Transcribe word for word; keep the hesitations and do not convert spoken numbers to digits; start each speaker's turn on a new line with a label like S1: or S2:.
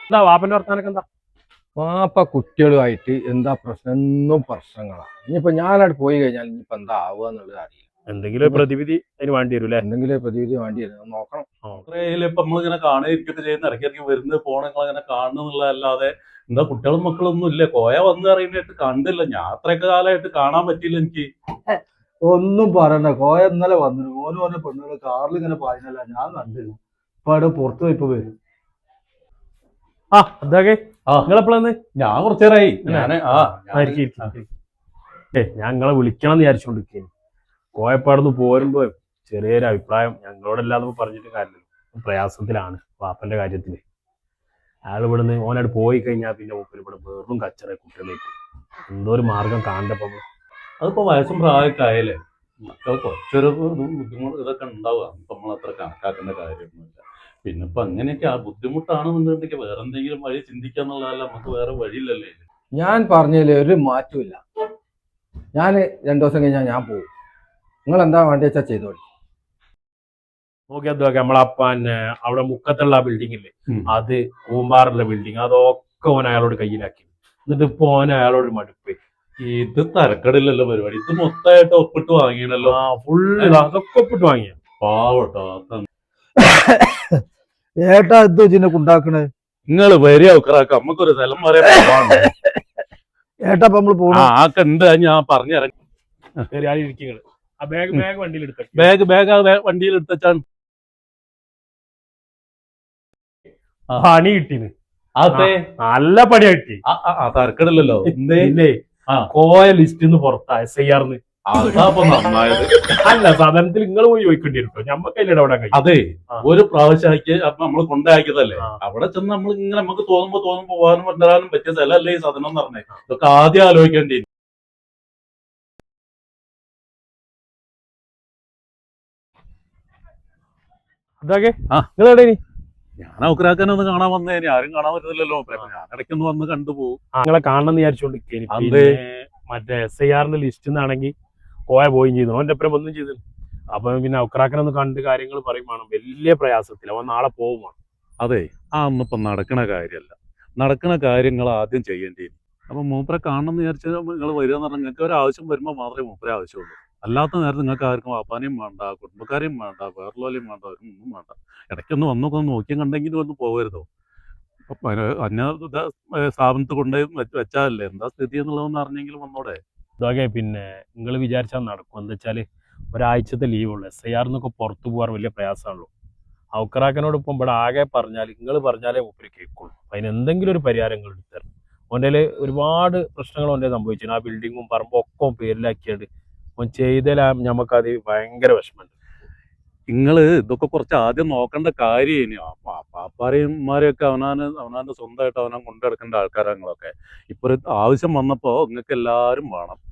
S1: എന്താ വാപ്പന്റെ വർത്താനൊക്കെ എന്താ?
S2: വാപ്പ കുട്ടികളുമായിട്ട് എന്താ പ്രശ്നം എന്നും പ്രശ്നങ്ങളാണ്. ഇനിയിപ്പോ ഞാനവിടെ പോയി കഴിഞ്ഞാൽ ഇനിയിപ്പോ എന്താ ആവുക എന്നുള്ളത് അറിയില്ല.
S1: എന്തെങ്കിലും ഒരു പ്രതിവിധി അതിന് വേണ്ടി വരും അല്ലേ?
S2: എന്തെങ്കിലും പ്രതിവിധി വേണ്ടി വരും, നോക്കണം.
S3: അത്രയില് ഇപ്പൊ നമ്മളിങ്ങനെ കാണുകയൊക്കെ ചെയ്യുന്ന ഇടയ്ക്ക് ഇടയ്ക്ക് വരുന്നത് പോണങ്ങൾ അങ്ങനെ കാണുന്നുള്ളതല്ലാതെ എന്താ കുട്ടികളും മക്കളൊന്നും ഇല്ല. കോയ വന്ന് അറിയുന്നതായിട്ട് കണ്ടില്ല. ഞാൻ അത്രയൊക്കെ കാലമായിട്ട് കാണാൻ പറ്റിയില്ല എനിക്ക്.
S4: ഒന്നും പറയണ്ട, കോയ ഇന്നലെ വന്നു. ഓന് പറഞ്ഞ പെണ്ണുങ്ങള് കാറിൽ ഇങ്ങനെ പായുന്നല്ല, ഞാൻ കണ്ടില്ല. ഇപ്പൊ അവിടെ പുറത്തു പോയിപ്പോ വരും.
S1: ആ അതൊക്കെ
S3: ആ
S1: നിങ്ങളെപ്പോഴാന്ന്?
S3: ഞാൻ കുറച്ചേരായി ഞാന് ആ
S1: ഏ ഞങ്ങളെ വിളിക്കണം എന്ന് വിചാരിച്ചോണ്ടിരിക്കുന്നു. കോയപ്പാടുന്ന് പോരുമ്പോ ചെറിയൊരു അഭിപ്രായം ഞങ്ങളോടല്ലാതെ പറഞ്ഞിട്ട് കാര്യമില്ല. പ്രയാസത്തിലാണ് വാപ്പന്റെ കാര്യത്തില്. അയാൾ ഇവിടുന്ന് ഓനായിട്ട് പോയി കഴിഞ്ഞാൽ പിന്നെ മൂപ്പര് ഇവിടെ വെറും കച്ചറ കുട്ടികളേക്ക് എന്തോ ഒരു മാർഗം കാണണ്ടപ്പോ.
S3: അതിപ്പോ വയസ്സും പ്രായമൊക്കെ ആയാലേ മക്കൾ കുറച്ചൊരു ബുദ്ധിമുട്ട് ഇതൊക്കെ ഉണ്ടാവുക. ഇപ്പൊ നമ്മളത്ര കണക്കാക്കേണ്ട കാര്യമൊന്നുമില്ല. പിന്നെ ഇപ്പൊ അങ്ങനെയൊക്കെ ആ ബുദ്ധിമുട്ടാണെന്നുണ്ടെങ്കിൽ വേറെ എന്തെങ്കിലും വഴി ചിന്തിക്കാന്നുള്ളതല്ല, നമുക്ക് വേറെ വഴിയില്ലല്ലേ.
S2: ഞാൻ പറഞ്ഞതിൽ ഒരു മാറ്റമില്ല. ഞാൻ രണ്ടു ദിവസം കഴിഞ്ഞാൽ ഞാൻ പോകും. നിങ്ങൾ എന്താ വേണ്ടി വെച്ചാൽ ചെയ്തോളി.
S1: നോക്കിയാൽ നമ്മളെ പിന്നെ അവിടെ മുക്കത്തുള്ള ആ ബിൽഡിംഗ് ഇല്ലേ, അത് കൂമ്പാറുള്ള ബിൽഡിംഗ്, അതൊക്കെ ഓൻ അയാളോട് കയ്യിലാക്കി. എന്നിട്ട് ഇപ്പൊ ഓൻ അയാളോട് മടുപ്പ്.
S3: ഇത് തരക്കടില്ലല്ലോ പരിപാടി. ഇത് മൊത്തമായിട്ട് ഒപ്പിട്ട് വാങ്ങിയണല്ലോ.
S1: ആ ഫുള്ള് അതൊക്കെ ഒപ്പിട്ട് വാങ്ങിയ
S3: പാവട്ടോ.
S4: ഏട്ടാ എന്തോ ഇതിനൊക്കെ ഉണ്ടാക്കണേ?
S3: നിങ്ങള് വരിക ഉക്കറാക്ക, നമുക്കൊരു സ്ഥലം പറയാൻ
S4: ഏട്ടാ അപ്പൊ നമ്മള് പോണ
S3: ആക്കെ ഉണ്ട്. ഞാൻ പറഞ്ഞുതരാം.
S1: ആ ബാഗ് ബാഗ് വണ്ടിയിൽ എടുക്ക.
S3: ബാഗ് ബാഗ് വണ്ടിയിൽ എടുത്താൻ
S1: പണി കിട്ടീന്.
S3: അതെ
S1: നല്ല പണി കിട്ടി.
S3: തരക്കടില്ലല്ലോ.
S1: ഇല്ലേ കോയ ലിസ്റ്റിന്ന് പുറത്താ എസ് ഐ ആർന്ന്.
S3: അതാപ്പൊ നന്നായത്.
S1: അല്ല സാധാരണത്തിൽ നിങ്ങൾ പോയി ചോദിക്കേണ്ടി വരും. ഞമ്മക്കല്ലേ ഇടപെടാൻ കഴിയും.
S3: അതെ ഒരു പ്രാവശ്യമാക്കി അപ്പൊ നമ്മള് കൊണ്ടാക്കിയതല്ലേ. അവിടെ ചെന്ന് നമ്മൾ ഇങ്ങനെ നമുക്ക് തോന്നുമ്പോ തോന്നുമ്പോ പോകാനും കൊണ്ടുവരാനും പറ്റിയ സ്ഥലമല്ലേ ഈ സാധനം എന്ന് പറഞ്ഞേ. ഇതൊക്കെ ആദ്യം ആലോചിക്കേണ്ടി.
S1: അതൊക്കെ നിങ്ങളെവിടെ?
S3: ഞാൻ ഔക്കറാക്കാനെ ഒന്ന് കാണാൻ വന്നേനെ. ആരും കാണാൻ പറ്റുന്നില്ലല്ലോ. ഞാൻ ഇടയ്ക്കൊന്ന് വന്ന് കണ്ടുപോകും.
S1: നിങ്ങളെ കാണണം എന്ന് വിചാരിച്ചോണ്ടിരിക്കും. മറ്റേ എസ് ഐ ആറിന്റെ ലിസ്റ്റ് നിന്നാണെങ്കിൽ കോയ പോയും ചെയ്തു. അവന്റെ അപ്പുറം ഒന്നും ചെയ്തു. അപ്പൊ പിന്നെ ഔക്കറാക്കനെ ഒന്ന് കണ്ട് കാര്യങ്ങൾ പറയുമ്പോൾ വലിയ പ്രയാസത്തിൽ അവൻ നാളെ പോകും.
S3: അതെ ആ ഒന്നിപ്പം നടക്കണ കാര്യമല്ല. നടക്കണ കാര്യങ്ങൾ ആദ്യം ചെയ്യേണ്ടി. അപ്പൊ മൂപ്പരെ കാണണം എന്ന് വിചാരിച്ചാൽ നിങ്ങൾ വരിക എന്ന് പറഞ്ഞാൽ നിങ്ങൾക്ക് ഒരു ആവശ്യം വരുമ്പോൾ മാത്രമേ മൂപ്പരെ ആവശ്യമുള്ളൂ. അല്ലാത്ത നേരത്തെ നിങ്ങൾക്ക് ആർക്കും വാപ്പാനെയും വേണ്ട, കുടുംബക്കാരെയും വേണ്ട, വേറെല്ലോലെയും വേണ്ട, അവരും ഒന്നും വേണ്ട. ഇടയ്ക്കൊന്ന് വന്നൊക്കെ ഒന്ന് നോക്കിയും കണ്ടെങ്കിലും ഒന്ന് പോകരുതോ. അന്യ സ്ഥാപനത്തിൽ കൊണ്ടുപോയി വെച്ചാലല്ലേ എന്താ സ്ഥിതി എന്നുള്ളതെന്ന് അറിഞ്ഞെങ്കിലും വന്നോടെ.
S1: ഇതൊക്കെ പിന്നെ നിങ്ങൾ വിചാരിച്ചാൽ നടക്കും. എന്താ വെച്ചാല് ഒരാഴ്ചത്തെ ലീവുള്ളൂ. എസ് ഐ ആറിന്നൊക്കെ പുറത്തു പോകാൻ വലിയ പ്രയാസമാണല്ലോ. ഔക്കറാക്കനോട് ഇപ്പം ഇവിടെ ആകെ പറഞ്ഞാൽ നിങ്ങൾ പറഞ്ഞാലേ മൂപ്പര് കേൾക്കുള്ളൂ. അതിന് എന്തെങ്കിലും ഒരു പരിഹാരം നിങ്ങൾ എടുത്തരണം. ഓൻ്റെ ഒരുപാട് പ്രശ്നങ്ങൾ ഓൻ്റെ സംഭവിച്ചു. ആ ബിൽഡിങ്ങും പറമ്പും ഒക്കെ പേരിലാക്കിയത് ഓൻ ചെയ്തതിൽ ഞമ്മക്കത് ഭയങ്കര വിഷമമുണ്ട്.
S3: നിങ്ങള് ഇതൊക്കെ കുറച്ച് ആദ്യം നോക്കേണ്ട കാര്യം. പാപ്പാരെയും ഉമ്മാരെയൊക്കെ അവനാന് അവനാന്റെ സ്വന്തമായിട്ട് അവനാൻ കൊണ്ടുനടക്കേണ്ട ആൾക്കാരാണ് നിങ്ങളൊക്കെ. ഇപ്പൊ ഒരു ആവശ്യം വന്നപ്പോ നിങ്ങൾക്ക് എല്ലാവരും വേണം.